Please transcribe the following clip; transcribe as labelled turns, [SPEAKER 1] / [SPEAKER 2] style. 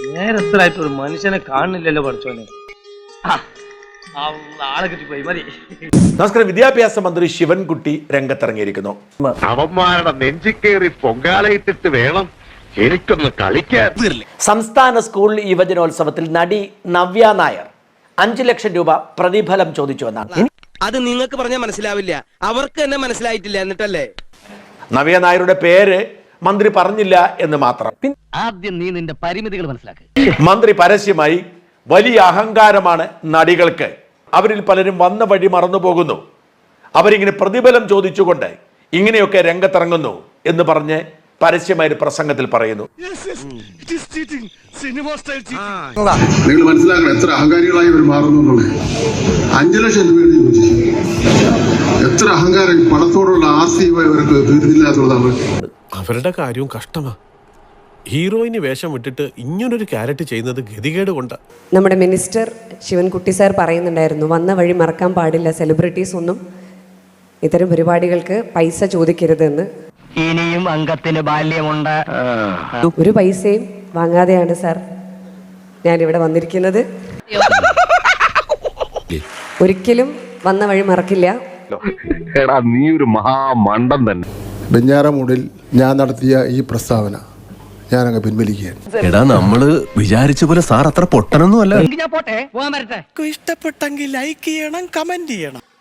[SPEAKER 1] നേരത്തിലായിട്ട് ഒരു മനുഷ്യനെ കാണുന്നില്ലല്ലോ പഠിച്ചോനെ. ആളെ കിട്ടിപ്പോയി മതി.
[SPEAKER 2] നമസ്കാരം. വിദ്യാഭ്യാസ മന്ത്രി ശിവൻകുട്ടി രംഗത്തിറങ്ങിയിരിക്കുന്നു.
[SPEAKER 3] അവന്മാരുടെ നെഞ്ചിക്കേറി പൊങ്കാലയിട്ടിട്ട് വേണം എനിക്കൊന്ന് കളിക്കാൻ.
[SPEAKER 2] സംസ്ഥാന സ്കൂൾ യുവജനോത്സവത്തിൽ നടി നവ്യ നായർ 5 ലക്ഷം രൂപ പ്രതിഫലം ചോദിച്ചു എന്നാണ്.
[SPEAKER 4] അത് നിങ്ങൾക്ക് പറഞ്ഞാൽ മനസ്സിലാവില്ല, അവർക്ക് തന്നെ മനസ്സിലായിട്ടില്ല. എന്നിട്ടല്ലേ
[SPEAKER 2] നവ്യ നായരുടെ പേര് മന്ത്രി പറഞ്ഞില്ല എന്ന് മാത്രം.
[SPEAKER 1] ആദ്യം നീ നിന്റെ പരിമിതികൾ മനസ്സിലാക്കുക.
[SPEAKER 2] മന്ത്രി പരസ്യമായി വലിയ അഹങ്കാരമാണ് നടികൾക്ക്, അവരിൽ പലരും വന്ന വഴി മറന്നു പോകുന്നു, അവരിങ്ങനെ പ്രതിഫലം ചോദിച്ചുകൊണ്ട് ഇങ്ങനെയൊക്കെ രംഗത്തിറങ്ങുന്നു എന്ന് പറഞ്ഞ് പരസ്യമായ പ്രസംഗത്തിൽ പറയുന്നു.
[SPEAKER 5] നിങ്ങൾ മനസ്സിലാക്കണം എത്ര അഹങ്കാരികളായി ഇവർ മാറുന്നു എന്നുള്ളത്. 5 ലക്ഷം രൂപയാണ് ചോദിച്ചു. എത്ര അഹങ്കാരം, പണത്തോടുള്ള ആർത്തി ഇവർക്ക് തീർന്നില്ല എന്നുള്ളതാണ്.
[SPEAKER 6] അവരുടെ കാര്യവും കഷ്ടമാ. ഹീറോയിന് വേഷം വിട്ടിട്ട് ഇങ്ങനൊരു ക്യാരക്ടർ ചെയ്യുന്നത് ഗതികേട് കൊണ്ട്.
[SPEAKER 7] നമ്മുടെ മിനിസ്റ്റർ ശിവൻകുട്ടി സാർ പറയുന്നുണ്ടായിരുന്നു, വന്ന വഴി മറക്കാൻ പാടില്ല, സെലിബ്രിറ്റീസ് ഒന്നും ഇത്തരം പരിപാടികൾക്ക് പൈസ ചോദിക്കരുതെന്ന്.
[SPEAKER 1] ഇനിയും അംഗത്തിന് ബാല്യമുണ്ട്.
[SPEAKER 7] ഒരു പൈസയും വാങ്ങാതെയാണ് സാർ ഞാനിവിടെ വന്നിരിക്കുന്നത്. ഒരിക്കലും വന്ന വഴി മറക്കില്ല.
[SPEAKER 3] എടാ നീ ഒരു മഹാമണ്ടൻ തന്നെ.
[SPEAKER 5] വെഞ്ഞാറമൂടിൽ ഞാൻ നടത്തിയ ഈ പ്രസ്താവന ഞാനങ്ങ് പിൻവലിക്കുകയാണ്.
[SPEAKER 8] എടാ നമ്മള് വിചാരിച്ച പോലെ സാർ അത്ര പൊട്ടനൊന്നും അല്ല.
[SPEAKER 1] ഞാൻ പോട്ടെ, പോകാൻ വരട്ടെ.
[SPEAKER 4] ഇഷ്ടപ്പെട്ടെങ്കിൽ ലൈക്ക് ചെയ്യണം, കമന്റ് ചെയ്യണം.